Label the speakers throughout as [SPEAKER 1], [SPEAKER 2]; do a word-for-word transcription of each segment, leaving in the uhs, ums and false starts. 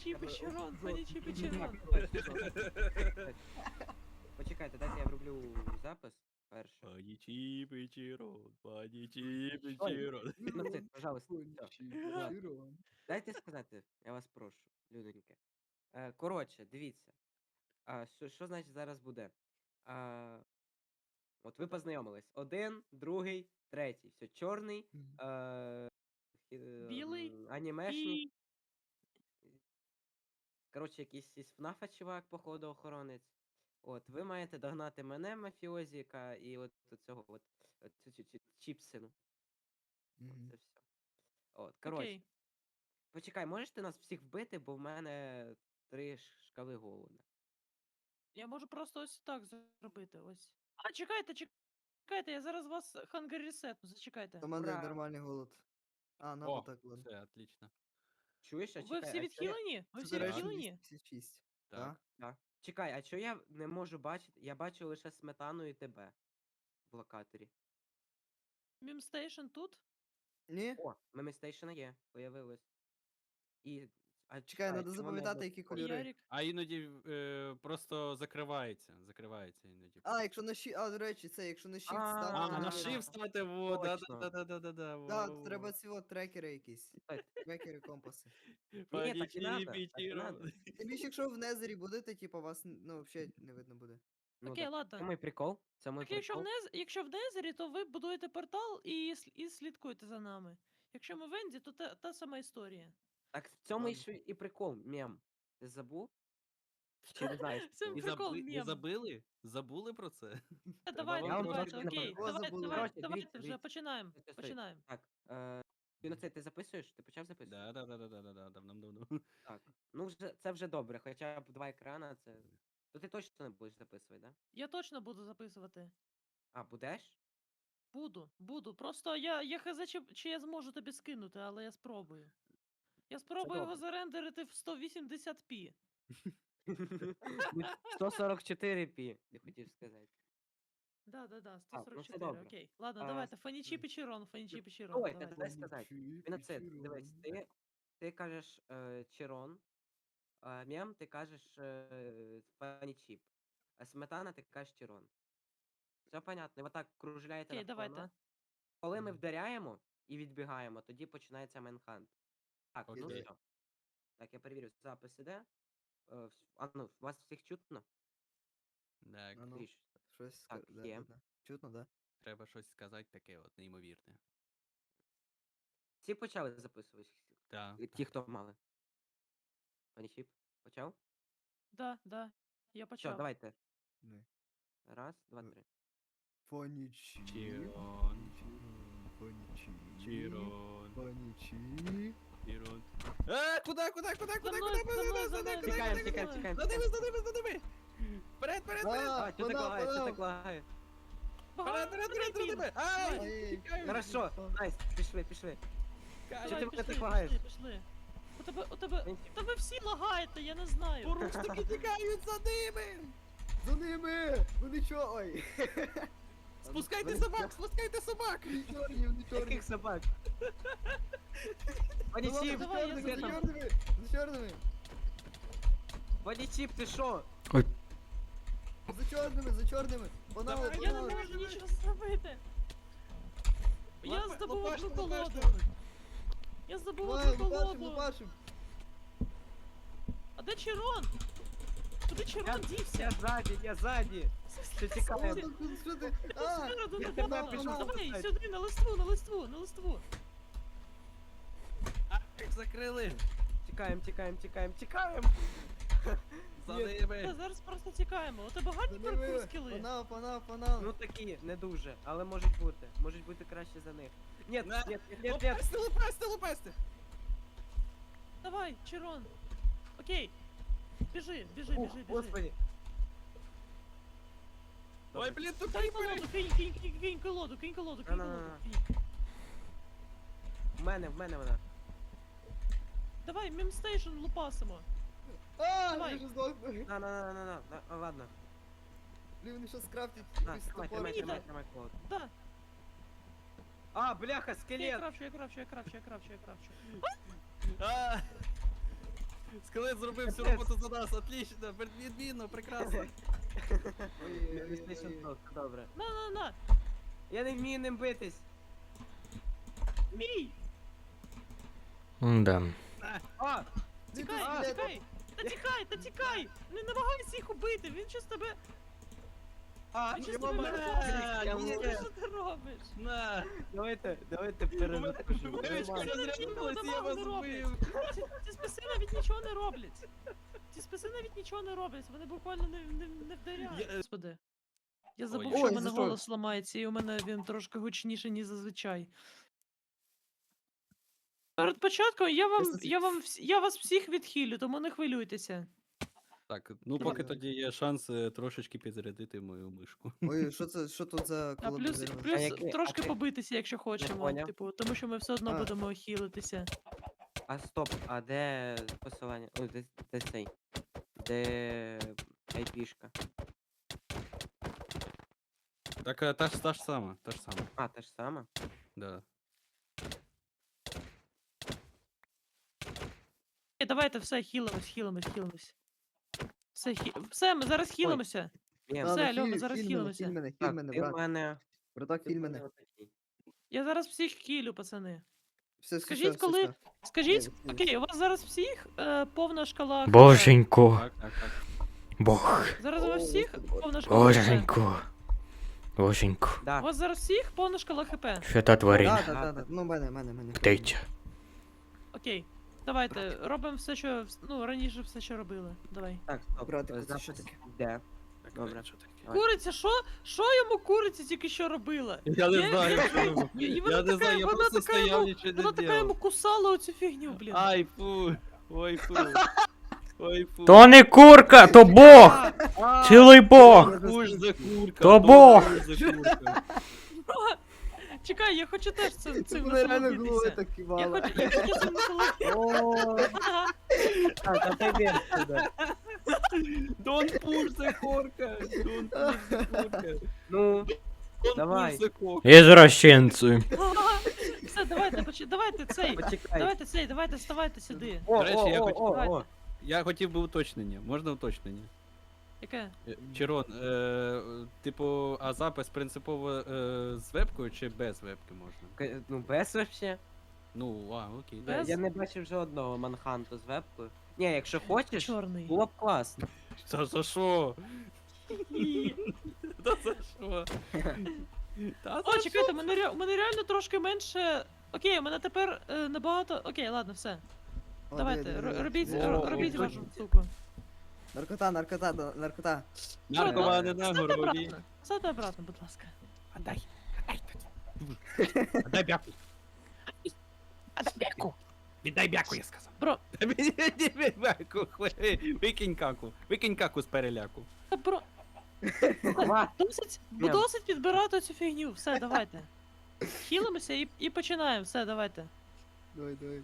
[SPEAKER 1] Фанічі Печерон, Фанічі Печерон.
[SPEAKER 2] Почекайте, дайте я вроблю запис перше.
[SPEAKER 3] Панічі Печерон, Панічі Печерон.
[SPEAKER 2] Геноцид, пожалуйста. Все.
[SPEAKER 4] Печерон.
[SPEAKER 2] Дайте сказати, я вас прошу, людоньки. Е, коротше, дивіться. А, що, що значить зараз буде? А, от ви познайомились. Один, другий, третій. Все, чорний,
[SPEAKER 4] Мгм.
[SPEAKER 2] е, хі-
[SPEAKER 1] Білий
[SPEAKER 2] м, анімешник.
[SPEAKER 1] І
[SPEAKER 2] Коротше, якийсь із ФНАФа чувак, походу, охоронець. От, ви маєте догнати мене, мафіозіка, і от цього от, от цю- цю- цю чіпсину.
[SPEAKER 4] Мгм.
[SPEAKER 2] Це все. От, коротше.
[SPEAKER 1] окей.
[SPEAKER 2] Почекай, можеш ти нас всіх вбити, бо в мене три ш- шкали голода.
[SPEAKER 1] Я можу просто ось так зробити. Ось. А, чекайте, чекайте, я зараз вас хангер ресетну, зачекайте.
[SPEAKER 4] У мене
[SPEAKER 2] Ура.
[SPEAKER 4] нормальний голод. А, на
[SPEAKER 3] О,
[SPEAKER 4] вот так ладно.
[SPEAKER 3] все, отлично.
[SPEAKER 2] Чуєш, а
[SPEAKER 1] Ви
[SPEAKER 2] чекай,
[SPEAKER 1] всі
[SPEAKER 2] а чо я...
[SPEAKER 1] відхилені? Ви
[SPEAKER 4] Це,
[SPEAKER 1] всі
[SPEAKER 4] до речі,
[SPEAKER 1] відхилені?
[SPEAKER 4] двісті п'ятдесят шість.
[SPEAKER 3] Так.
[SPEAKER 2] Да. Чекай, а чого я не можу бачити? Я бачу лише сметану і тебе в локаторі.
[SPEAKER 1] Мімстейшн тут?
[SPEAKER 4] Ні?
[SPEAKER 2] О, мемістейшена є, появилось. І. А
[SPEAKER 4] Чекай, треба
[SPEAKER 2] чому не
[SPEAKER 4] запам'ятати, які
[SPEAKER 2] блокує?
[SPEAKER 4] кольори.
[SPEAKER 1] Ярік.
[SPEAKER 3] А іноді е, просто закривається. Закривається іноді.
[SPEAKER 4] А, якщо на щі... А, до речі, це, якщо на щит
[SPEAKER 2] А,
[SPEAKER 4] ставити,
[SPEAKER 3] А,
[SPEAKER 4] то
[SPEAKER 3] на
[SPEAKER 4] не
[SPEAKER 2] а,
[SPEAKER 4] видно.
[SPEAKER 3] shift стати, во, да,
[SPEAKER 2] Точно.
[SPEAKER 3] да, да, да, да, да, во,
[SPEAKER 4] Так,
[SPEAKER 3] во, во.
[SPEAKER 4] треба ці от трекери якісь.
[SPEAKER 2] Стой.
[SPEAKER 4] Трекери, компаси.
[SPEAKER 2] Ні, так і
[SPEAKER 3] Панічі
[SPEAKER 2] надо, так і
[SPEAKER 3] Печерон.
[SPEAKER 2] надо.
[SPEAKER 4] Тим більше, якщо в Незері будете, типу, вас, ну, взагалі не видно буде.
[SPEAKER 2] Ну,
[SPEAKER 1] Окей,
[SPEAKER 2] так,
[SPEAKER 1] ладно.
[SPEAKER 2] Це мій прикол. Це мій
[SPEAKER 1] Так якщо в,
[SPEAKER 2] прикол.
[SPEAKER 1] Нез... якщо в Незері, то ви будуєте портал і, сл- і слідкуєте за нами. Якщо ми в Енді, то та, та сама історія.
[SPEAKER 2] Так в цьому і,
[SPEAKER 4] Ладно.
[SPEAKER 2] ж і прикол, мем. Ти забув? Чи не знаєш?
[SPEAKER 1] Це
[SPEAKER 2] прикол?
[SPEAKER 3] І,
[SPEAKER 1] прикол,
[SPEAKER 3] заби... і
[SPEAKER 1] мем.
[SPEAKER 3] забили? Забули про це?
[SPEAKER 1] Е,
[SPEAKER 3] Треба
[SPEAKER 1] Давайте,
[SPEAKER 2] Я вам
[SPEAKER 1] давайте,
[SPEAKER 2] трошки
[SPEAKER 1] окей.
[SPEAKER 4] наприклад,
[SPEAKER 1] Давайте,
[SPEAKER 4] забули.
[SPEAKER 1] давайте,
[SPEAKER 2] Коротше,
[SPEAKER 1] давайте
[SPEAKER 2] дивіться,
[SPEAKER 1] вже,
[SPEAKER 2] дивіться.
[SPEAKER 1] починаємо.
[SPEAKER 2] Стой, стой, стой.
[SPEAKER 1] Починаємо.
[SPEAKER 2] Так, е, Геноцид, ти записуєш? Ти почав записувати?
[SPEAKER 3] Да, да, да, да, да, да, да, давно-давно.
[SPEAKER 2] Так. Ну, вже, це вже добре, хоча б два екрана, це. То ти точно не будеш записувати, да?
[SPEAKER 1] Я точно буду записувати.
[SPEAKER 2] А, будеш?
[SPEAKER 1] Буду, буду. Просто я, я хз, чи, чи я зможу тобі скинути, але я спробую. Я спробую його
[SPEAKER 2] добре.
[SPEAKER 1] зарендерити в сто вісімдесят пі.
[SPEAKER 2] сто сорок чотири пі, я хотів сказати.
[SPEAKER 1] Да, да, да,
[SPEAKER 2] Так, ну все
[SPEAKER 1] 144,
[SPEAKER 2] добре.
[SPEAKER 1] окей. Ладно,
[SPEAKER 2] А,
[SPEAKER 1] давайте, фанічі
[SPEAKER 4] м.
[SPEAKER 1] печерон, фанічі печерон,
[SPEAKER 2] Ой,
[SPEAKER 1] давайте.
[SPEAKER 2] дай сказати. Геноцид, дивись, ти, ти кажеш е, Черон, а мем ти кажеш е, панічіп, а сметана ти кажеш Черон. Все понятно, і отак кружляєте
[SPEAKER 1] Окей,
[SPEAKER 2] навколо
[SPEAKER 1] давайте.
[SPEAKER 2] нас. Коли ми
[SPEAKER 4] Мгм.
[SPEAKER 2] вдаряємо і відбігаємо, тоді починається Менхант. Так, ну
[SPEAKER 3] Окей.
[SPEAKER 2] все. Так, я перевірю, запис іде. Е, вс- А ну, вас всіх чутно?
[SPEAKER 3] Так,
[SPEAKER 4] А ну,
[SPEAKER 2] Скоріше.
[SPEAKER 4] щось
[SPEAKER 2] Так,
[SPEAKER 4] ска- да,
[SPEAKER 2] є.
[SPEAKER 4] да, да. Чутно, да?
[SPEAKER 3] треба щось сказати таке от неймовірне.
[SPEAKER 2] Всі почали записувати?
[SPEAKER 3] Так.
[SPEAKER 2] Е, Ті, хто мали. Пані Чіп, почав?
[SPEAKER 1] Да, да, я
[SPEAKER 2] Все,
[SPEAKER 1] почав.
[SPEAKER 2] давайте.
[SPEAKER 4] Не.
[SPEAKER 2] Раз, два,
[SPEAKER 4] Ну,
[SPEAKER 2] три.
[SPEAKER 4] Фанічі.
[SPEAKER 3] Чірон.
[SPEAKER 4] Фанічі.
[SPEAKER 3] Чірон.
[SPEAKER 4] Фанічі.
[SPEAKER 3] Чірон. А, куди, куди, куди,
[SPEAKER 1] За
[SPEAKER 3] куди,
[SPEAKER 1] мною,
[SPEAKER 3] куди,
[SPEAKER 1] за мною,
[SPEAKER 3] куди,
[SPEAKER 1] за
[SPEAKER 3] куди,
[SPEAKER 1] мною.
[SPEAKER 3] куди,
[SPEAKER 2] Тікаємо,
[SPEAKER 3] куди,
[SPEAKER 2] тікаємо,
[SPEAKER 3] куди?
[SPEAKER 2] тікаємо.
[SPEAKER 3] За ними, за ними, за ними. Вперед, вперед, вперед.
[SPEAKER 4] А,
[SPEAKER 2] А, чого так
[SPEAKER 4] вона,
[SPEAKER 2] лагає, чого
[SPEAKER 4] вона.
[SPEAKER 2] так лагає?
[SPEAKER 3] Вперед, вперед, вперед, за ними. Ай,
[SPEAKER 4] Ай.
[SPEAKER 3] тікаю.
[SPEAKER 2] Хорошо, найс, пішли, пішли.
[SPEAKER 3] Кай.
[SPEAKER 2] Що
[SPEAKER 1] Давай,
[SPEAKER 2] ти мене
[SPEAKER 1] пішли,
[SPEAKER 2] так лагаєш?
[SPEAKER 1] пішли, пішли. У тебе, у тебе,
[SPEAKER 2] Він-
[SPEAKER 1] та ви всі лагаєте, я не знаю.
[SPEAKER 3] Порушники тікають за ними.
[SPEAKER 4] За ними! Вони чо? Ой.
[SPEAKER 3] Спускайте
[SPEAKER 2] Вони-
[SPEAKER 3] собак, спускайте собак.
[SPEAKER 4] Вони чорні, вони чорні.
[SPEAKER 2] Яких собак? Пані
[SPEAKER 4] Ну ладно,
[SPEAKER 2] Чіп,
[SPEAKER 4] за
[SPEAKER 1] давай, я
[SPEAKER 4] чорними,
[SPEAKER 2] де
[SPEAKER 4] за
[SPEAKER 2] там?
[SPEAKER 4] чорними, за чорними.
[SPEAKER 2] Пані Чіп, ти що?
[SPEAKER 4] За чорними, за чорними. Вона,
[SPEAKER 3] Давай,
[SPEAKER 1] Я не
[SPEAKER 4] вона.
[SPEAKER 1] можу нічого зробити. Я
[SPEAKER 3] Лапа-
[SPEAKER 1] здобув
[SPEAKER 3] лопашку,
[SPEAKER 1] одну колоду.
[SPEAKER 3] лопашку.
[SPEAKER 1] Я здобув
[SPEAKER 4] Давай,
[SPEAKER 1] одну
[SPEAKER 4] лупашим,
[SPEAKER 1] колоду.
[SPEAKER 4] лупашим.
[SPEAKER 1] А де Чирон? Куди
[SPEAKER 2] Я,
[SPEAKER 1] Чирон дівся?
[SPEAKER 2] я ззаді, я ззаді. Що
[SPEAKER 4] О,
[SPEAKER 2] тікає?
[SPEAKER 4] тут, тут, що ти? А,
[SPEAKER 1] Спереду
[SPEAKER 2] я
[SPEAKER 1] не
[SPEAKER 2] тебе
[SPEAKER 1] бачу.
[SPEAKER 2] пишу,
[SPEAKER 1] Давай,
[SPEAKER 2] записати.
[SPEAKER 1] сюди, на листву, на листву, на листву.
[SPEAKER 3] А, їх закрили.
[SPEAKER 2] Тікаємо, тікаємо, тікаємо, тікаємо.
[SPEAKER 3] За
[SPEAKER 4] Ні.
[SPEAKER 1] Та
[SPEAKER 3] ними.
[SPEAKER 1] зараз просто тікаємо. У тебе гарні
[SPEAKER 4] за ними.
[SPEAKER 1] паркур скіли.
[SPEAKER 4] Панав, панав, панав.
[SPEAKER 2] Ну такі, не дуже, але можуть бути. Можуть бути краще за них. Ні,
[SPEAKER 3] На.
[SPEAKER 2] ні, ні, ні, ні.
[SPEAKER 3] Лопасти, лопасти, лопасти.
[SPEAKER 1] Давай, Чирон. Окей. Біжи, біжи,
[SPEAKER 2] Ух,
[SPEAKER 1] біжи, біжи.
[SPEAKER 2] господи.
[SPEAKER 3] Ой, блін, тут
[SPEAKER 1] Дай
[SPEAKER 3] кріпери.
[SPEAKER 1] колоду, кинь, кинь, кинь, кинь колоду, кинь колоду, кинь колоду.
[SPEAKER 2] На-на-на.
[SPEAKER 1] кинь.
[SPEAKER 2] В мене, в мене вона.
[SPEAKER 1] Давай, мемстейшн лупасимо.
[SPEAKER 4] А,
[SPEAKER 1] Давай.
[SPEAKER 4] я вже здохну.
[SPEAKER 2] На, на, на, на, на, на, а, ладно.
[SPEAKER 4] Блін, вони щас скрафтять
[SPEAKER 2] На,
[SPEAKER 4] якийсь
[SPEAKER 2] тримай,
[SPEAKER 4] топор.
[SPEAKER 2] тримай,
[SPEAKER 1] Мені
[SPEAKER 2] тримай,
[SPEAKER 1] дай.
[SPEAKER 2] тримай колоду.
[SPEAKER 1] Да,
[SPEAKER 2] А, бляха,
[SPEAKER 1] я
[SPEAKER 2] скелет!
[SPEAKER 1] крафчу, я крафчу, я крафчу, я крафчу, я крафчу.
[SPEAKER 3] А, Скелет зробив всю роботу за нас, отлично, відмінно, прекрасно.
[SPEAKER 2] PlayStation Pro, все добре.
[SPEAKER 1] На, на, на!
[SPEAKER 2] Я не вмію ним битись.
[SPEAKER 1] Мій!
[SPEAKER 5] Да.
[SPEAKER 2] А!
[SPEAKER 1] Тікай,
[SPEAKER 2] А,
[SPEAKER 1] тікай! Та тікай, та тікай! Не намагайся їх убити, він щось тебе...
[SPEAKER 2] А,
[SPEAKER 1] Він щось
[SPEAKER 2] його
[SPEAKER 1] тебе
[SPEAKER 2] мене!
[SPEAKER 1] перехоплює.
[SPEAKER 2] Я
[SPEAKER 3] ні.
[SPEAKER 2] можу.
[SPEAKER 1] Що ти робиш?
[SPEAKER 3] На!
[SPEAKER 2] Давайте, давайте перезапишу.
[SPEAKER 3] Виручка
[SPEAKER 1] Нормально.
[SPEAKER 3] розрядилась, я
[SPEAKER 1] Нічого
[SPEAKER 3] вас
[SPEAKER 1] не роблять.
[SPEAKER 3] вбив.
[SPEAKER 1] Ці, ці списи навіть нічого не роблять. Ці списи навіть нічого не роблять, вони буквально не, не, не вдаряють.
[SPEAKER 3] Я, е,
[SPEAKER 1] Господи. Я забув,
[SPEAKER 3] Ой,
[SPEAKER 1] що в
[SPEAKER 4] за
[SPEAKER 1] мене
[SPEAKER 4] що?
[SPEAKER 1] голос ламається, і у мене він трошки гучніший, ніж зазвичай. Перед початком я вам,
[SPEAKER 4] Просто ці-
[SPEAKER 1] я вам, вс- я вас всіх відхилю, тому не хвилюйтеся.
[SPEAKER 3] Так, ну поки
[SPEAKER 4] Давай.
[SPEAKER 3] тоді є шанс е, трошечки підзарядити мою мишку.
[SPEAKER 4] Ой, що це, що тут за
[SPEAKER 1] А плюс,
[SPEAKER 4] колаборирование?
[SPEAKER 1] плюс
[SPEAKER 2] який- а
[SPEAKER 1] трошки
[SPEAKER 2] ти-
[SPEAKER 1] побитися, якщо хочемо.
[SPEAKER 2] поняв.
[SPEAKER 1] Типу, тому що ми все одно
[SPEAKER 4] А.
[SPEAKER 1] будемо хілитися.
[SPEAKER 2] А стоп, а де посилання? Ой, де, де цей? Де айпішка?
[SPEAKER 3] Так, е, та ж та ж сама, та ж сама,
[SPEAKER 2] А, та ж сама?
[SPEAKER 3] да.
[SPEAKER 1] Е, давайте все, хілимось, хілимось, хілимось. Все, хі... все, ми зараз хілимося.
[SPEAKER 2] Ні,
[SPEAKER 1] Все,
[SPEAKER 4] Ладно,
[SPEAKER 1] Альо, ми
[SPEAKER 4] хіль-
[SPEAKER 1] зараз
[SPEAKER 4] хіль мене,
[SPEAKER 1] хілимося.
[SPEAKER 4] хіль мене, хіль
[SPEAKER 2] так,
[SPEAKER 4] мене,
[SPEAKER 2] ти в
[SPEAKER 4] брат.
[SPEAKER 2] мене...
[SPEAKER 4] Браток,
[SPEAKER 2] ти
[SPEAKER 4] хіль
[SPEAKER 2] в
[SPEAKER 4] мене.
[SPEAKER 2] отакий.
[SPEAKER 1] Я зараз всіх хілю, пацани.
[SPEAKER 4] Все, все,
[SPEAKER 1] Скажіть,
[SPEAKER 4] все, все,
[SPEAKER 1] коли-
[SPEAKER 4] все.
[SPEAKER 1] Скажіть,
[SPEAKER 4] Ні,
[SPEAKER 1] окей, у вас зараз всіх е, повна шкала. хп.
[SPEAKER 5] Боженько.
[SPEAKER 3] Так, так, так.
[SPEAKER 5] Бог.
[SPEAKER 1] Зараз у вас
[SPEAKER 4] О,
[SPEAKER 1] всіх
[SPEAKER 4] Господи.
[SPEAKER 1] повна шкала. хп.
[SPEAKER 5] Боженько. Боженько.
[SPEAKER 1] У
[SPEAKER 2] Да,
[SPEAKER 1] вас зараз всіх повна шкала хп.
[SPEAKER 5] Що та тварин?
[SPEAKER 4] Да, да, да, да. Ну, мене, мене, мене.
[SPEAKER 5] Птиця.
[SPEAKER 1] Окей. Давайте, робимо все, що. вс- Ну, раніше все, що робили. Давай.
[SPEAKER 2] так, стоп.
[SPEAKER 4] Братику,
[SPEAKER 2] е,
[SPEAKER 4] це що
[SPEAKER 2] запис
[SPEAKER 4] таке?
[SPEAKER 2] Де?
[SPEAKER 3] Так,
[SPEAKER 2] Добре.
[SPEAKER 3] е, що таке?
[SPEAKER 2] Давай.
[SPEAKER 1] Куриця, що? Що йому куриця тільки що робила?
[SPEAKER 3] Я не
[SPEAKER 1] Я-
[SPEAKER 3] знаю,
[SPEAKER 1] я-
[SPEAKER 3] що йому.
[SPEAKER 1] І- і
[SPEAKER 3] Я
[SPEAKER 1] вона
[SPEAKER 3] не
[SPEAKER 1] така-
[SPEAKER 3] знаю, я
[SPEAKER 1] вона
[SPEAKER 3] просто
[SPEAKER 1] така
[SPEAKER 3] стояв,
[SPEAKER 1] йому-
[SPEAKER 3] нічого
[SPEAKER 1] Вона
[SPEAKER 3] не
[SPEAKER 1] така йому
[SPEAKER 3] делав.
[SPEAKER 1] кусала оцю фігню, блін.
[SPEAKER 3] Ай, фу. Ой, фу. Ой, фу.
[SPEAKER 5] То не курка, то Бог!
[SPEAKER 2] А,
[SPEAKER 5] Цілий Бог!
[SPEAKER 3] Куш за курка.
[SPEAKER 5] То
[SPEAKER 3] то
[SPEAKER 5] Бог.
[SPEAKER 3] куш за курка.
[SPEAKER 1] Чекай, я хочу теж цим, цим
[SPEAKER 4] Мене реально голови
[SPEAKER 1] насолодитися.
[SPEAKER 4] так
[SPEAKER 1] Я
[SPEAKER 4] кивало.
[SPEAKER 1] хочу, я хочу цим насолодитися.
[SPEAKER 4] О,
[SPEAKER 2] Так, а ти де сюди?
[SPEAKER 3] Don't push the курка. Don't push the курка.
[SPEAKER 2] Ну,
[SPEAKER 3] Don't
[SPEAKER 2] Давай.
[SPEAKER 3] push the курка.
[SPEAKER 5] Ізвращенці.
[SPEAKER 1] Все, давайте, поч- давайте цей.
[SPEAKER 2] почекай.
[SPEAKER 1] Давайте цей, давайте ставайте сюди.
[SPEAKER 2] О,
[SPEAKER 3] До речі,
[SPEAKER 2] о,
[SPEAKER 3] я
[SPEAKER 2] о,
[SPEAKER 3] хочу-
[SPEAKER 2] о, о.
[SPEAKER 3] Я хотів би уточнення. Можна уточнення?
[SPEAKER 1] Яке?
[SPEAKER 3] Е, Чирон, е, типу, а запис принципово е, з вебкою чи без вебки можна?
[SPEAKER 2] К- Ну, без вообще.
[SPEAKER 3] Ну, а, окей.
[SPEAKER 1] Без?
[SPEAKER 3] да.
[SPEAKER 2] Я не бачив жодного манханту з вебкою. Ні, якщо хочеш,
[SPEAKER 1] Чорний.
[SPEAKER 2] було б класно.
[SPEAKER 3] Та за що?
[SPEAKER 1] Ні.
[SPEAKER 3] Та за що? Та
[SPEAKER 1] О,
[SPEAKER 3] за
[SPEAKER 1] чекайте, у мене, ре- у мене реально трошки менше. Окей, у мене тепер е, набагато. Окей, ладно, все.
[SPEAKER 4] о,
[SPEAKER 1] Давайте,
[SPEAKER 4] диви,
[SPEAKER 1] ро-
[SPEAKER 4] диви, диви.
[SPEAKER 1] робіть,
[SPEAKER 2] О,
[SPEAKER 1] ро-
[SPEAKER 2] о,
[SPEAKER 1] робіть
[SPEAKER 2] о,
[SPEAKER 1] вашу
[SPEAKER 2] о.
[SPEAKER 1] штуку.
[SPEAKER 4] Наркота, наркота, да, наркота.
[SPEAKER 3] Наркомани на
[SPEAKER 1] Ставте
[SPEAKER 3] горлі.
[SPEAKER 1] обратно. Ставте обратно, будь ласка.
[SPEAKER 3] Отдай, отдай тоді. Отдай бяку.
[SPEAKER 1] Отдай бяку.
[SPEAKER 3] Віддай бяку, я сказав.
[SPEAKER 1] Бро.
[SPEAKER 3] Віддай бяку, хуй. Викинь каку. Викинь каку з переляку.
[SPEAKER 1] Та бро.
[SPEAKER 2] Ва,
[SPEAKER 1] Досить, бо
[SPEAKER 2] Ні.
[SPEAKER 1] досить підбирати цю фігню. Все, давайте. Хілимося і, і починаємо. Все, давайте.
[SPEAKER 4] Давай, давай.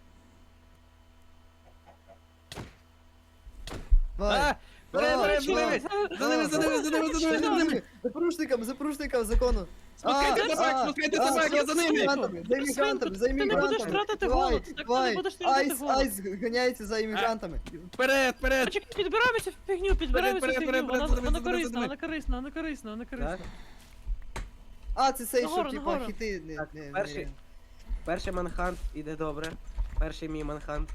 [SPEAKER 4] Давай.
[SPEAKER 3] А! Бери, бери,
[SPEAKER 4] Давай,
[SPEAKER 3] бери!
[SPEAKER 4] давай.
[SPEAKER 3] За ними, за ними, за ними, за ними, за ними!
[SPEAKER 4] За порушником, за порушником закону.
[SPEAKER 3] Спускайте
[SPEAKER 1] А,
[SPEAKER 3] собак,
[SPEAKER 4] а,
[SPEAKER 3] спускайте
[SPEAKER 4] а,
[SPEAKER 3] собак, я за ними!
[SPEAKER 4] іммігрантами, За іммігрантами, за
[SPEAKER 1] Ти не будеш
[SPEAKER 4] іммігрантами.
[SPEAKER 1] тратити
[SPEAKER 4] Давай,
[SPEAKER 1] голод, так ти не
[SPEAKER 4] давай.
[SPEAKER 1] будеш тратити
[SPEAKER 4] Айс,
[SPEAKER 1] голод.
[SPEAKER 4] айс, ганяється за іммігрантами.
[SPEAKER 3] Вперед, вперед!
[SPEAKER 1] Почекай, підбираємо цю фігню, підбираємо цю
[SPEAKER 3] Вперед,
[SPEAKER 1] фігню.
[SPEAKER 3] вперед,
[SPEAKER 1] Вона,
[SPEAKER 3] вперед,
[SPEAKER 1] вона
[SPEAKER 3] за ними, за
[SPEAKER 1] корисна,
[SPEAKER 3] ними.
[SPEAKER 1] вона корисна, вона корисна, вона корисна.
[SPEAKER 4] А, це цей, що,
[SPEAKER 1] Нагору,
[SPEAKER 4] типа,
[SPEAKER 1] нагору.
[SPEAKER 4] хіти. Не,
[SPEAKER 2] Так,
[SPEAKER 4] не, не,
[SPEAKER 2] перший. Перший манхант іде добре. Перший мій манхант.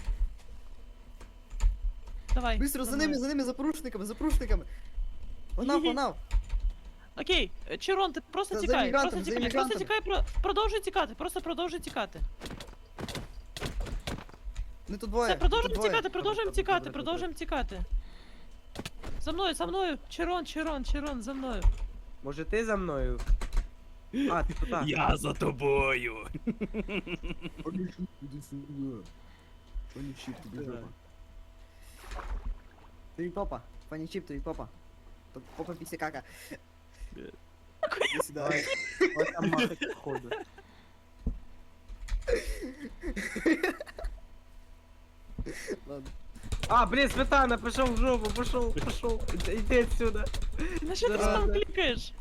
[SPEAKER 1] Давай.
[SPEAKER 4] Быстро, за
[SPEAKER 1] давай.
[SPEAKER 4] ними, за ними, за порушниками, за порушниками. Погнав, погнав.
[SPEAKER 1] Окей, е, Чирон, ти просто
[SPEAKER 4] За- за
[SPEAKER 1] тікай,
[SPEAKER 4] іммігрантами,
[SPEAKER 1] просто
[SPEAKER 4] за
[SPEAKER 1] тікай, просто
[SPEAKER 4] іммігрантами.
[SPEAKER 1] тікай, про- продовжуй тікати, просто продовжуй тікати.
[SPEAKER 4] Не тут двоє.
[SPEAKER 1] Все, продовжуємо
[SPEAKER 4] тут двоє.
[SPEAKER 1] тікати, продовжуємо
[SPEAKER 2] Добре,
[SPEAKER 1] тікати,
[SPEAKER 2] добре,
[SPEAKER 1] продовжуємо тікати. За мною, за мною, Чирон, Чирон, Чирон, за мною.
[SPEAKER 2] Може ти за мною? А, ти туди.
[SPEAKER 3] Я за тобою!
[SPEAKER 4] Тобі попа. Пані Чіп, тобі попа. То попа після кака. Іди сюди.
[SPEAKER 2] Давай. Ось там махать походу.
[SPEAKER 4] Ладно.
[SPEAKER 2] А, блін, Светана, пішов в жопу, пішов, пішов. Іди- Іди отсюда.
[SPEAKER 1] На що ти
[SPEAKER 2] Зараза.
[SPEAKER 1] сам клікаєш?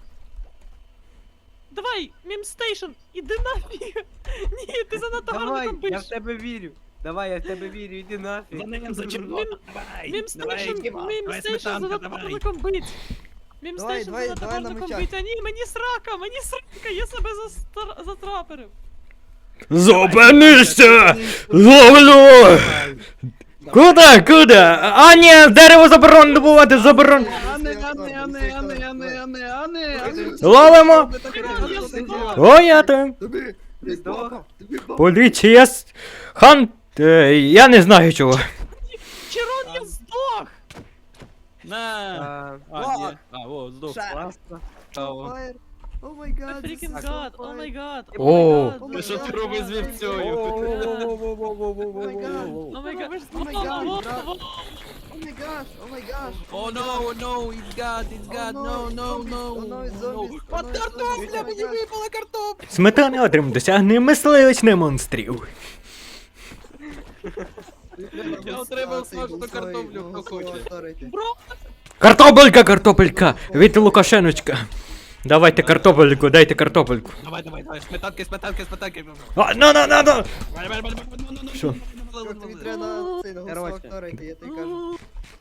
[SPEAKER 1] Давай, мімстейшн, іди нафіг. Ні, ти занадто гарно
[SPEAKER 2] Давай,
[SPEAKER 1] там
[SPEAKER 2] я в
[SPEAKER 1] пишеш.
[SPEAKER 2] тебе вірю. Давай, я в тебе вірю, іди нафіг.
[SPEAKER 3] За ним, за червоно, давай!
[SPEAKER 1] Мім
[SPEAKER 3] Давай,
[SPEAKER 1] стейшн,
[SPEAKER 3] Діма,
[SPEAKER 1] мім
[SPEAKER 3] давай,
[SPEAKER 1] стейшн за
[SPEAKER 3] сметанка, давай!
[SPEAKER 1] напарником бить. Мім
[SPEAKER 4] Давай,
[SPEAKER 1] стейшн
[SPEAKER 4] давай,
[SPEAKER 1] за
[SPEAKER 4] давай на
[SPEAKER 1] напарником
[SPEAKER 4] мечах.
[SPEAKER 1] бить. А ні, мені срака, мені срака, я себе застра- затрапорив.
[SPEAKER 5] Зупинися! Ловлю! Куда, куда? А ні, дерево заборонено добувати, заборонено.
[SPEAKER 3] Ане, ане, ане, ане, ане, ане, ане, ане.
[SPEAKER 5] Ловимо!
[SPEAKER 1] Я здох.
[SPEAKER 5] О, я там.
[SPEAKER 4] Тобі, тобі папа, тобі папа.
[SPEAKER 5] Поліція. с- Хан... Е, я не знаю чого.
[SPEAKER 1] Чирон, я здох.
[SPEAKER 3] На!
[SPEAKER 2] А,
[SPEAKER 3] А, ні. А, о, здох.
[SPEAKER 4] Ша-
[SPEAKER 2] класно.
[SPEAKER 3] Цікаво.
[SPEAKER 4] Fire. О май гад.
[SPEAKER 1] I freaking
[SPEAKER 4] this is
[SPEAKER 1] god,
[SPEAKER 4] so
[SPEAKER 1] oh
[SPEAKER 4] fire.
[SPEAKER 1] my god.
[SPEAKER 5] О.
[SPEAKER 1] Oh my
[SPEAKER 3] Ти
[SPEAKER 1] god.
[SPEAKER 3] що ти робиш з вівцею?
[SPEAKER 1] Oh my god.
[SPEAKER 4] Oh my
[SPEAKER 1] Во,
[SPEAKER 4] god,
[SPEAKER 1] во,
[SPEAKER 4] брат.
[SPEAKER 1] во.
[SPEAKER 4] Oh my gosh, oh my gosh.
[SPEAKER 3] О, no, no, it's God, it's God, no, no, no.
[SPEAKER 4] Oh no, it's zombies. Oh
[SPEAKER 3] От
[SPEAKER 4] no, it's
[SPEAKER 3] картопля,
[SPEAKER 4] zombies. Oh my
[SPEAKER 3] мені
[SPEAKER 4] God.
[SPEAKER 3] випала картопля.
[SPEAKER 5] Сметана отрим досягне мисливець на монстрів.
[SPEAKER 3] Я отримав смажену картоплю, хто хоче.
[SPEAKER 1] Бро,
[SPEAKER 5] Картопелька, картопелька! Від Лукашеночка. Давайте картопельку, дайте картопельку.
[SPEAKER 3] Давай, давай, давай, сметанки, сметанки, сметанки.
[SPEAKER 5] А, ну, ну, ну, ну! Що?
[SPEAKER 4] Тобі треба на цей на голосового
[SPEAKER 2] Короче.
[SPEAKER 4] актора йти, я тобі кажу.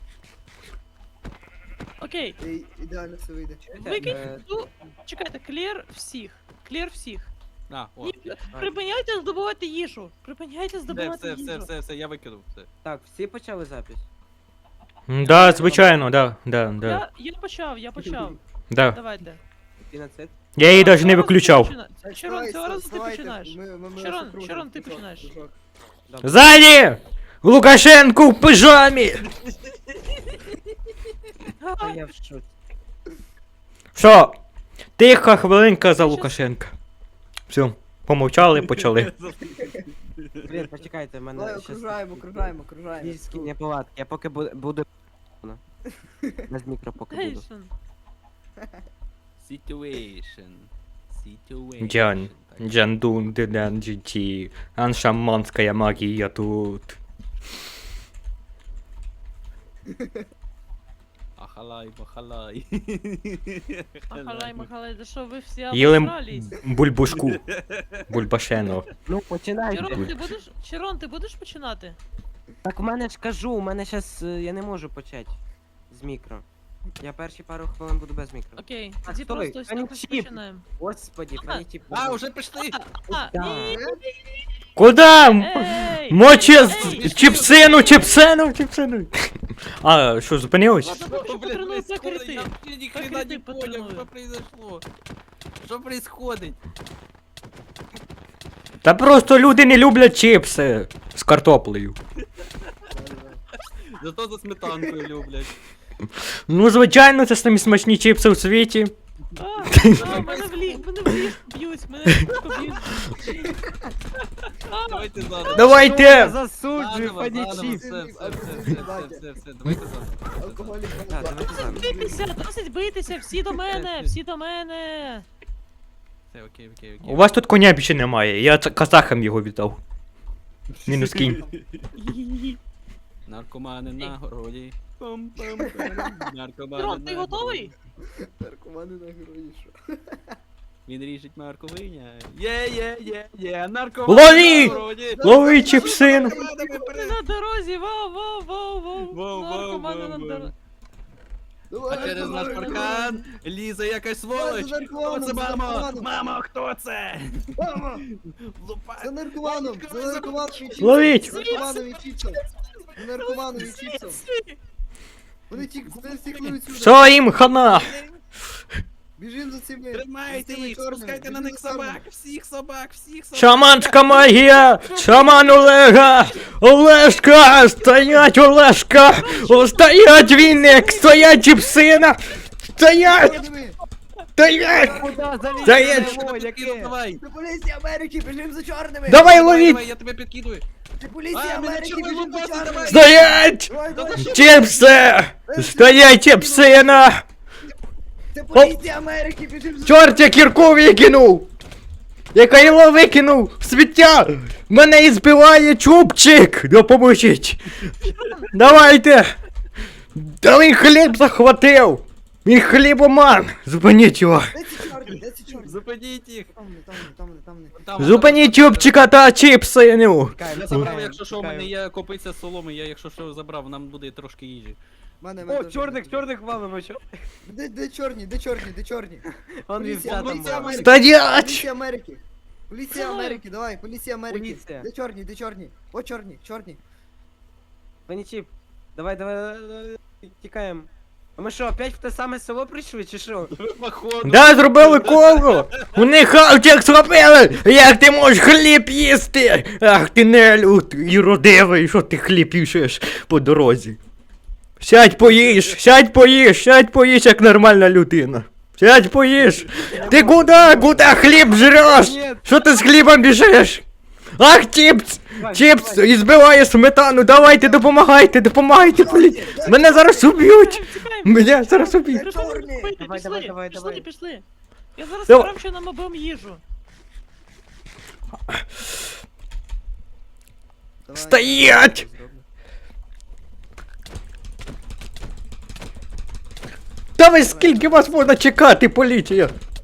[SPEAKER 1] Окей,
[SPEAKER 4] І ідеально все вийде.
[SPEAKER 1] викинь,
[SPEAKER 2] Е,
[SPEAKER 1] ну, чекайте, клір всіх, клір всіх.
[SPEAKER 3] А, о,
[SPEAKER 1] Ні, припиняйте здобувати їжу, припиняйте
[SPEAKER 3] все,
[SPEAKER 1] здобувати
[SPEAKER 3] все, все,
[SPEAKER 1] їжу.
[SPEAKER 3] все, все, я викинув, все.
[SPEAKER 2] Так, всі почали запись?
[SPEAKER 5] Да, звичайно, да, да, да,
[SPEAKER 1] Я, я почав, я почав,
[SPEAKER 5] да.
[SPEAKER 1] Давайте.
[SPEAKER 2] Фіноцид?
[SPEAKER 5] Я її навіть не
[SPEAKER 1] Цього разу ти
[SPEAKER 5] виключав.
[SPEAKER 1] почина- Чирон, цього разу ти починаєш. Чирон, Чирон, ти починаєш.
[SPEAKER 5] Ззаді! Лукашенко в пижамі!
[SPEAKER 2] Та я в шоці.
[SPEAKER 5] Що? Тиха хвилинка за Лукашенка. Все, помовчали, почали.
[SPEAKER 2] Блін, почекайте, в мене
[SPEAKER 4] Давай,
[SPEAKER 2] щас
[SPEAKER 4] окружаємо, окружаємо, окружаємо.
[SPEAKER 2] фізичні неполадки. Я поки бу- буду... Без мікро поки буду.
[SPEAKER 1] Гейшн.
[SPEAKER 3] Situation. Situation.
[SPEAKER 5] Джан,
[SPEAKER 3] Так.
[SPEAKER 5] Джандун, Дедан, Джиті, аншаманська магія тут.
[SPEAKER 3] Ахалай, махалай.
[SPEAKER 1] Махалай, махалай, да що ви всі
[SPEAKER 5] Їли м-
[SPEAKER 1] обосрались?
[SPEAKER 5] бульбушку. Бульбашено.
[SPEAKER 2] Ну, починайте.
[SPEAKER 1] Чирон, ти будеш, Чирон, ти будеш починати?
[SPEAKER 2] Так в мене ж кажу, у мене щас е, я не можу почати з мікро. Я перші пару хвилин буду без мікро.
[SPEAKER 1] Окей,
[SPEAKER 2] А,
[SPEAKER 1] тоді
[SPEAKER 2] стой,
[SPEAKER 1] просто ось
[SPEAKER 2] а не
[SPEAKER 1] так ось
[SPEAKER 2] чіп.
[SPEAKER 1] починаємо.
[SPEAKER 2] Господі,
[SPEAKER 1] А,
[SPEAKER 2] пані тіп.
[SPEAKER 3] А, уже пішли.
[SPEAKER 1] А,
[SPEAKER 2] Да.
[SPEAKER 1] ні,
[SPEAKER 5] Куда?
[SPEAKER 1] ей!
[SPEAKER 5] Мочи
[SPEAKER 1] Ей!
[SPEAKER 5] з- чіпсину, чіпсину, чіпсину. А, що, зупинилось?
[SPEAKER 1] Ладно, поки що
[SPEAKER 3] Блін,
[SPEAKER 1] потренуй
[SPEAKER 3] происходит?
[SPEAKER 1] покрити.
[SPEAKER 3] Я вообще ни хрена
[SPEAKER 1] Покрити
[SPEAKER 3] не понял,
[SPEAKER 1] потренуй.
[SPEAKER 3] что произошло. Что происходит?
[SPEAKER 5] Та просто люди не люблять чіпси з картоплею.
[SPEAKER 3] Зато за сметанкою люблять.
[SPEAKER 5] Ну, звичайно, це самі смачні чіпси у світі.
[SPEAKER 1] А, а, мене в ліг, мене в ліг б'ють, мене поб'ють.
[SPEAKER 3] Давайте заново.
[SPEAKER 5] Давайте!
[SPEAKER 2] Засуджую,
[SPEAKER 3] Заново,
[SPEAKER 2] пані
[SPEAKER 3] заново,
[SPEAKER 2] чіп.
[SPEAKER 3] все, все, все, все, все, все, все, давайте заново.
[SPEAKER 4] Алкоголік.
[SPEAKER 2] Так, давайте заново.
[SPEAKER 1] Битися, досить битися, всі до мене, всі до мене.
[SPEAKER 3] Все, окей, окей,
[SPEAKER 5] У
[SPEAKER 3] окей.
[SPEAKER 5] вас тут коня більше немає, я ц- казахам його віддав. Мінус кінь.
[SPEAKER 3] Наркомани на городі. Пам-пам-пам. Наркомани
[SPEAKER 1] Чирон, ти
[SPEAKER 3] на
[SPEAKER 1] готовий?
[SPEAKER 3] городі.
[SPEAKER 4] Наркомани на герої, що?
[SPEAKER 3] Він ріжить морковиня. Є, є, є, є, наркомани
[SPEAKER 5] Лови!
[SPEAKER 3] на городі.
[SPEAKER 5] Лови чіпсину!
[SPEAKER 3] Наркомани
[SPEAKER 1] Ти
[SPEAKER 3] перед-
[SPEAKER 1] на дорозі, вау, вау, вау,
[SPEAKER 3] Вау,
[SPEAKER 1] вау.
[SPEAKER 3] вау,
[SPEAKER 1] Наркомани
[SPEAKER 3] вау,
[SPEAKER 1] на
[SPEAKER 3] вау.
[SPEAKER 1] дорозі.
[SPEAKER 3] А через наш паркан лізе якась сволоч.
[SPEAKER 4] за
[SPEAKER 3] Хто це,
[SPEAKER 4] наркоманом, за
[SPEAKER 3] мамо?
[SPEAKER 4] наркоманом.
[SPEAKER 3] Мамо, хто це?
[SPEAKER 4] Мама!
[SPEAKER 3] Лупа.
[SPEAKER 4] За наркоманом! За наркоманом і чіпсом!
[SPEAKER 5] Ловіть!
[SPEAKER 4] За наркоманом і чіпсом! За наркоманом і чіпсом! Вони ті, вони всі клюють сюди!
[SPEAKER 5] Що їм хана?
[SPEAKER 4] Біжим за цими!
[SPEAKER 3] Тримайте
[SPEAKER 4] за цими
[SPEAKER 3] їх,
[SPEAKER 4] чорними,
[SPEAKER 3] спускайте на
[SPEAKER 4] біжим
[SPEAKER 3] них
[SPEAKER 4] за чорними.
[SPEAKER 3] собак, всіх собак, всіх собак.
[SPEAKER 5] Шаманська магія! Шаман Олега! Олешка! Стоять Олешка! О, стоять віник! Стоять чіпсина! Стоять!
[SPEAKER 4] Чорними!
[SPEAKER 5] Стоять!
[SPEAKER 2] Куда залізти?
[SPEAKER 5] Заєць!
[SPEAKER 2] О, яке?
[SPEAKER 3] Давай.
[SPEAKER 4] Це поліція Америки! Біжим за чорними!
[SPEAKER 5] Давай
[SPEAKER 3] Давай,
[SPEAKER 5] ловіть!
[SPEAKER 3] давай, я тебе підкидую.
[SPEAKER 4] Це поліція
[SPEAKER 3] А, мене
[SPEAKER 4] Америки!
[SPEAKER 3] чорний
[SPEAKER 4] Біжим за
[SPEAKER 3] лупасий,
[SPEAKER 4] чорними!
[SPEAKER 3] давай.
[SPEAKER 5] Стоять!
[SPEAKER 4] Давай, давай!
[SPEAKER 5] Чіпси! Стоять чіпсина!
[SPEAKER 4] Це поліція Америки! Біжим за
[SPEAKER 5] Чорт, я кірку викинув! Я кайло викинув! в Сміття! Мене і збиває чубчик! Допоможіть! Давайте! Та він хліб захватив! Він хлібоман! Зупиніть його!
[SPEAKER 4] Де ці чорні? Де ці чорні?
[SPEAKER 3] Зупиніть їх!
[SPEAKER 4] Там не, там не, там не, там не.
[SPEAKER 3] Там,
[SPEAKER 5] Зупиніть
[SPEAKER 3] там,
[SPEAKER 5] чубчика та чіпси, ну.
[SPEAKER 3] Я забрав, якщо що, у мене є копиця соломи, я якщо що забрав, нам буде трошки їжі.
[SPEAKER 4] Мене,
[SPEAKER 2] О,
[SPEAKER 4] мене
[SPEAKER 2] чорних,
[SPEAKER 4] теж-
[SPEAKER 2] чорних валимо, що?
[SPEAKER 4] Де, де чорні, де чорні, де чорні?
[SPEAKER 2] Вон
[SPEAKER 4] Поліція,
[SPEAKER 2] вівця там
[SPEAKER 4] поліція
[SPEAKER 2] була.
[SPEAKER 4] Америки.
[SPEAKER 5] Стоять!
[SPEAKER 4] Поліція Америки. Поліція
[SPEAKER 1] Цілую.
[SPEAKER 4] Америки, давай, поліція Америки.
[SPEAKER 2] Поліція.
[SPEAKER 4] Де чорні, де чорні? О, чорні, чорні.
[SPEAKER 2] Панічіп, давай, давай, давай, тікаємо. А ми що, опять в те саме село прийшли, чи що?
[SPEAKER 3] Походу.
[SPEAKER 5] Да, зробили коло! Вони хавчик зробили! Як ти можеш хліб їсти? Ах ти нелюд і родивий, що ти хліб їшеш по дорозі. Сядь поїж, сядь поїж, сядь поїж, як нормальна людина. Сядь поїж. Ти куди, куди хліб жреш?
[SPEAKER 2] Ні.
[SPEAKER 5] Що ти з хлібом біжиш? Ах, чіпс!
[SPEAKER 2] Давай,
[SPEAKER 5] Чіпс
[SPEAKER 2] давай.
[SPEAKER 5] і збиває сметану, давайте, допомагайте, допомагайте, полі... Мене зараз уб'ють!
[SPEAKER 1] Тікаємо, тікаємо.
[SPEAKER 5] Мене зараз уб'ють!
[SPEAKER 1] Припини,
[SPEAKER 4] Чорні.
[SPEAKER 1] припини,
[SPEAKER 2] Давай,
[SPEAKER 1] пішли,
[SPEAKER 2] давай, давай,
[SPEAKER 1] пішли,
[SPEAKER 2] давай.
[SPEAKER 1] пішли. Я зараз
[SPEAKER 5] Давай.
[SPEAKER 1] сказав, що нам обом їжу.
[SPEAKER 4] Давай.
[SPEAKER 5] Стоять!
[SPEAKER 4] Зроблю.
[SPEAKER 5] Та ви скільки вас можна чекати, поліція?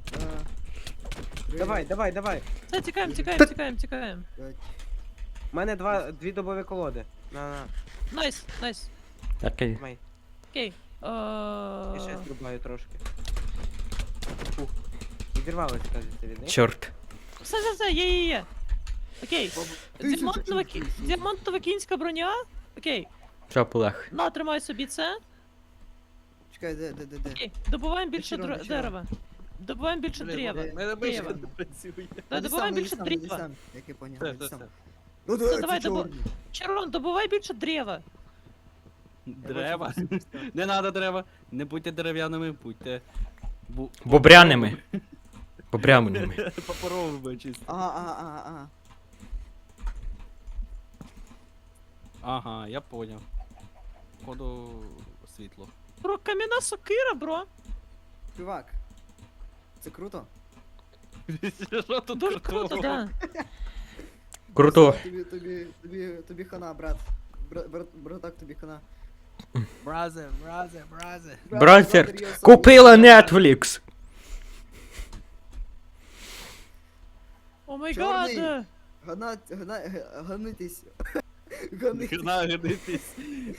[SPEAKER 4] А,
[SPEAKER 2] Давай, давай, давай.
[SPEAKER 1] Все, тікаємо,
[SPEAKER 5] Та-
[SPEAKER 1] тікаємо, тікаємо, тікаємо.
[SPEAKER 4] п'ять.
[SPEAKER 2] У мене два, дві добові колоди. На, на,
[SPEAKER 1] Найс, найс.
[SPEAKER 5] Окей.
[SPEAKER 2] тримай.
[SPEAKER 1] Окей.
[SPEAKER 2] Я ще
[SPEAKER 1] Е,
[SPEAKER 2] зрубаю трошки. Фух. Відірвалося, кажеться, від них.
[SPEAKER 5] Чорт.
[SPEAKER 1] Все, все, все, є, є, є. Окей.
[SPEAKER 4] Тисяча
[SPEAKER 1] Діамантова, кі-
[SPEAKER 4] тисяч.
[SPEAKER 1] діамантова кінська броня. Окей.
[SPEAKER 5] Що, Полег?
[SPEAKER 1] На, тримай собі це.
[SPEAKER 4] Чекай, де, де, де, де?
[SPEAKER 1] Окей. Добуваємо більше
[SPEAKER 4] Вечіром,
[SPEAKER 1] дро-
[SPEAKER 4] вечіром.
[SPEAKER 1] дерева. Добуваємо більше дерева.
[SPEAKER 3] Мене більше
[SPEAKER 1] Дерева.
[SPEAKER 3] не працює.
[SPEAKER 1] Та,
[SPEAKER 4] Іди
[SPEAKER 1] добуваємо
[SPEAKER 4] сам,
[SPEAKER 1] більше
[SPEAKER 4] іди сам, іди
[SPEAKER 1] дерева.
[SPEAKER 4] сам, Як я поняв,
[SPEAKER 3] Все,
[SPEAKER 4] іди
[SPEAKER 3] все,
[SPEAKER 4] сам.
[SPEAKER 3] все.
[SPEAKER 4] Ну
[SPEAKER 1] Все,
[SPEAKER 4] да,
[SPEAKER 1] давай,
[SPEAKER 4] це
[SPEAKER 1] добу-
[SPEAKER 4] чорні.
[SPEAKER 1] Чарон, добувай більше дерева.
[SPEAKER 3] Дерева. Не треба дерева. Не будьте дерев'яними, будьте. бу-
[SPEAKER 5] Бобряними. Бобряними.
[SPEAKER 3] Паперовими чисто.
[SPEAKER 4] Ага, ага, ага, ага.
[SPEAKER 3] Ага, я поняв. Походу світло.
[SPEAKER 1] Бро, кам'яна сокира, бро.
[SPEAKER 4] Чувак. Це круто.
[SPEAKER 3] Що тут
[SPEAKER 1] Дуже
[SPEAKER 3] крутого?
[SPEAKER 1] круто, да.
[SPEAKER 5] Круто.
[SPEAKER 4] Тобі, тобі, тобі, тобі хана, брат. Брат, брат, братак, тобі хана.
[SPEAKER 3] Бразе, бразе, бразе.
[SPEAKER 5] Братер,
[SPEAKER 4] Брат, я
[SPEAKER 5] купила
[SPEAKER 4] особливо.
[SPEAKER 5] Netflix.
[SPEAKER 1] О май
[SPEAKER 4] Чорний.
[SPEAKER 1] гад.
[SPEAKER 4] Гана, гана, г- ганитись. Ганитись.
[SPEAKER 3] Нагадитись.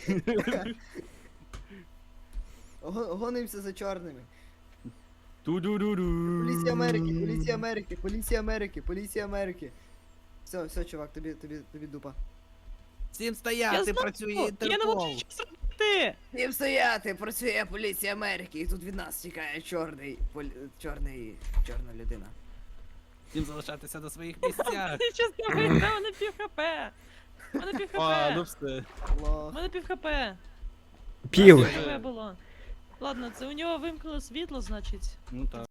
[SPEAKER 4] Го- Гонимося за чорними.
[SPEAKER 3] Ту-ду-ду-ду.
[SPEAKER 4] Поліція Америки, поліція Америки, поліція Америки, поліція Америки. Все, все, чувак, тобі, тобі, тобі дупа.
[SPEAKER 3] Всім
[SPEAKER 1] Я
[SPEAKER 3] стояти,
[SPEAKER 1] знаю,
[SPEAKER 3] працює
[SPEAKER 1] я не
[SPEAKER 3] Інтерпол.
[SPEAKER 1] можу нічого зробити.
[SPEAKER 4] Їм стояти, працює поліція Америки, і тут від нас тікає чорний, полі... чорний, чорна людина.
[SPEAKER 3] Всім залишатися на своїх місцях.
[SPEAKER 1] Ти що зробити? У мене пів хп. У мене пів
[SPEAKER 3] А, ну
[SPEAKER 1] хп.
[SPEAKER 3] все.
[SPEAKER 1] У
[SPEAKER 4] Лох.
[SPEAKER 1] мене пів хп.
[SPEAKER 5] Пів.
[SPEAKER 1] Хп було. Ладно, це у нього вимкнуло світло, значить.
[SPEAKER 3] Ну так.